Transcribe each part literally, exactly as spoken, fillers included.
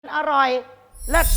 อร่อยเลิศ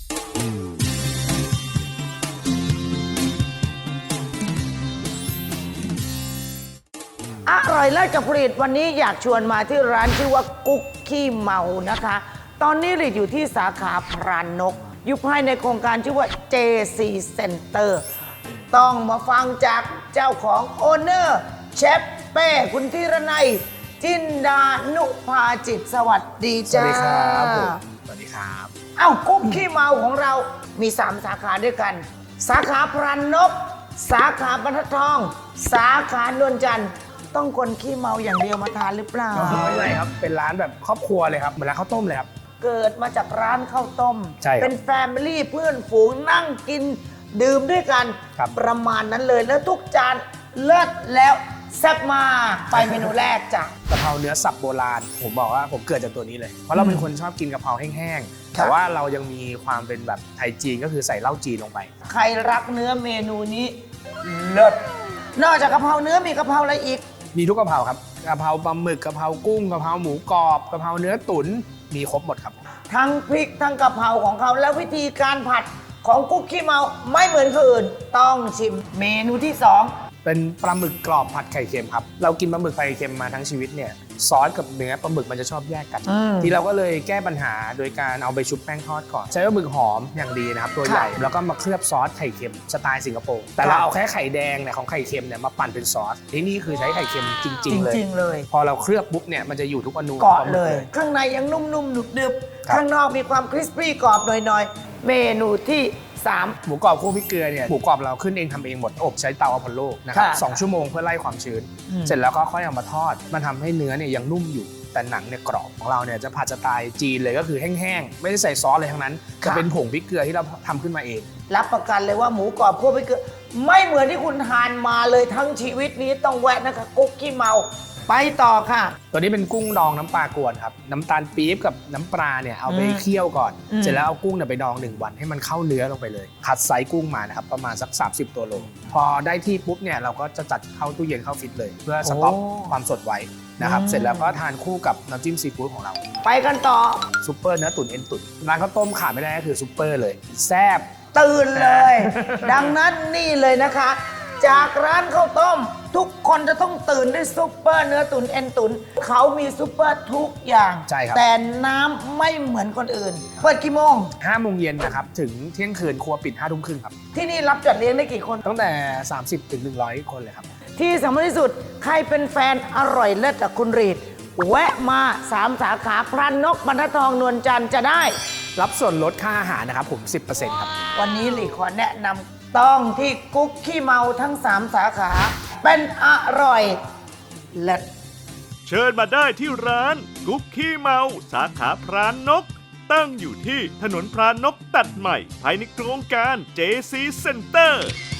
อร่อยเลิศกับผลิตวันนี้อยากชวนมาที่ร้านชื่อว่ากุ๊กขี้เมานะคะ ตอนนี้ผลิตอยู่ที่สาขาพรานนก อยู่ภายในโครงการชื่อว่า เจ ซี Center ต้องมาฟังจากเจ้าของโอเนอร์เชฟเป้คุณธีรนัยจินดานุภาจิตสวัสดีจ้าสวัสดีครับผมสวัสดีครับเอ้ากุ๊กขี้เมาของเรามีสามสาขาด้วยกัน สาขาพรานนก สาขาบรรทัดทอง สาขานวลจันทร์ต้องคนขี้เมาอย่างเดียวมาทานหรือเปล่าไม่ใช่ครับเป็นร้านแบบครอบครัวเลยครับเหมือนร้านข้าวต้มเลยครับเกิดมาจากร้านข้าวต้มใช่ครับเป็นแฟมิลี่เพื่อนฝูงนั่งกินดื่มด้วยกันครับประมาณนั้นเลยแล้วทุกจานเลิศแล้วแซ่บมากไปเมนูแรกจ้ะกะเพราเนื้อสับโบราณผมบอกว่าผมเกิดจากตัวนี้เลย เพราะเราเป็นคนชอบกินกะเพราแห้งๆแต่ว่าเรายังมีความเป็นแบบไทยจีนก็คือใส่เหล้าจีนลงไปใครรักเนื้อเมนูนี้เลิศนอกจากกะเพราเนื้อมีกะเพราอะไรอีกมีทุกกะเพราครับกะเพราปลาหมึกกะเพรากุ้งกะเพราหมูกรอบกะเพราเนื้อตุ๋นมีครบหมดครับทั้งพริกทั้งกะเพราของเขาแล้ววิธีการผัดของกุ๊กขี้เมาไม่เหมือนคนอื่นต้องชิมเมนูที่สองเป็นปลาหมึกกรอบผัดไข่เค็มครับเรากินปลาหมึกไข่เค็มมาทั้งชีวิตเนี่ยซอสกับเนื้อปลาหมึกมันจะชอบแยกกัน ทีเราก็เลยแก้ปัญหาโดยการเอาไปชุบแป้งทอดก่อนใช้ปลาหมึกหอมอย่างดีนะครับตัวใหญ่แล้วก็มาเคลือบซอสไข่เค็มสไตล์สิงคโปร์แต่เราเอาแค่ไข่แดงเนี่ยของไข่เค็มเนี่ยมาปั่นเป็นซอสที่นี่คือใช้ไข่เค็มจริงจๆ เลยริงๆเลยพอเราเคลือบปุ๊บเนี่ยมันจะอยู่ทุกอนูเกาะของปหมึเลย ข้างในยังนุ่มๆหนึบครับๆข้างนอกมีความคริสปี้กรอบหน่อยๆเมนูที่สามหมูกรอบคั่วพริกเกลือเนี่ยหมูกรอบเราขึ้นเองทำเองหมดอบใช้เตาอพอลโลนะครับค่ะสองชั่วโมงเพื่อไล่ความชื้นอืมเสร็จแล้วก็ค่อยเอามาทอด มันทำให้เนื้อเนี่ยยังนุ่มอยู่แต่หนังเนี่ยกรอบของเราเนี่ยจะผัดสไตล์จีนเลยก็คือแห้งๆไม่ได้ใส่ซอสอะไรทั้งนั้นจะเป็นผงพริกเกลือที่เราทำขึ้นมาเองรับประกันเลยว่าหมูกรอบคั่วพริกเกลือไม่เหมือนที่คุณทานมาเลยทั้งชีวิตนี้ต้องแวะนะคะกุ๊กขี้เมาไปต่อค่ะตัวนี้เป็นกุ้งดองน้ำปลากวนครับน้ำตาลปี๊บกับน้ำปลาเนี่ยเอาไปอืมเคี่ยวก่อนอืมเสร็จแล้วเอากุ้งเนี่ยไปดองหนึ่งวันให้มันเข้าเนื้อลงไปเลยคัดไซส์กุ้งมานะครับประมาณสักสามสิบตัวโลพอได้ที่ปุ๊บเนี่ยเราก็จะจัดเข้าตู้เย็นเข้าฟิตเลย เพื่อสต็อกความสดไว้นะครับเสร็จแล้วก็ทานคู่กับน้ำจิ้มซีฟู้ดของเราไปกันต่อซุปเปอร์เนื้อตุ๋นเอ็นตุ๋นร้านข้าวต้มขาดไม่ได้ก็คือซุปเปอร์เลยแซ่บตื่นเลย ดังนั้นนี่เลยนะคะ จากร้านข้าวต้ม ทุกคนจะต้องตื่นด้วยซุปเปอร์เนื้อตุ๋นเอ็นตุ๋นเขามีซุปเปอร์ทุกอย่างใช่ครับแต่น้ำไม่เหมือนคนอื่น เปิดกี่โมงห้าโมงเย็นนะครับถึงเที่ยงคืนครัวปิดห้าทุ่มครึ่งครับที่นี่รับจัดเลี้ยงได้กี่คนตั้งแต่ สามสิบถึงหนึ่งร้อย คนเลยครับที่สำคัญที่สุดใครเป็นแฟนอร่อยเลิศกับคุณรีด แวะมาสามสาขาพรานนกบรรทัดทองนวลจันทร์จะได้รับส่วนลดค่าอาหารนะครับผม สิบเปอร์เซ็นต์ ครับวันนี้หลีขอแนะนำต้องที่กุ๊กขี้เมาทั้งสามสาขา เป็นอร่อยเลิศเชิญมาได้ที่ร้านกุ๊กขี้เมาสาขาพรานนก ตั้งอยู่ที่ถนนพรานนกตัดใหม่ ภายในโครงการ เจ ซี Center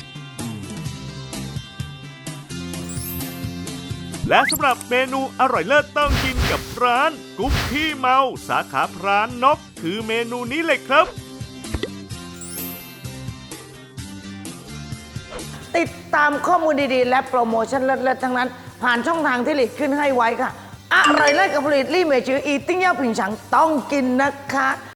และสำหรับเมนูอร่อยเลิศต้องกินกับร้านกุ๊กขี้เมาสาขาพรานนก คือเมนูนี้เลยครับติดตามข้อมูลดีๆ และโปรโมชั่นเลิศๆทั้งนั้น ผ่านช่องทางที่หลีดขึ้นให้ไว้ค่ะ อร่อยเลิศกับผลิตลี่เมจืออีติ้งเย่าผิงฉังต้องกินนะคะ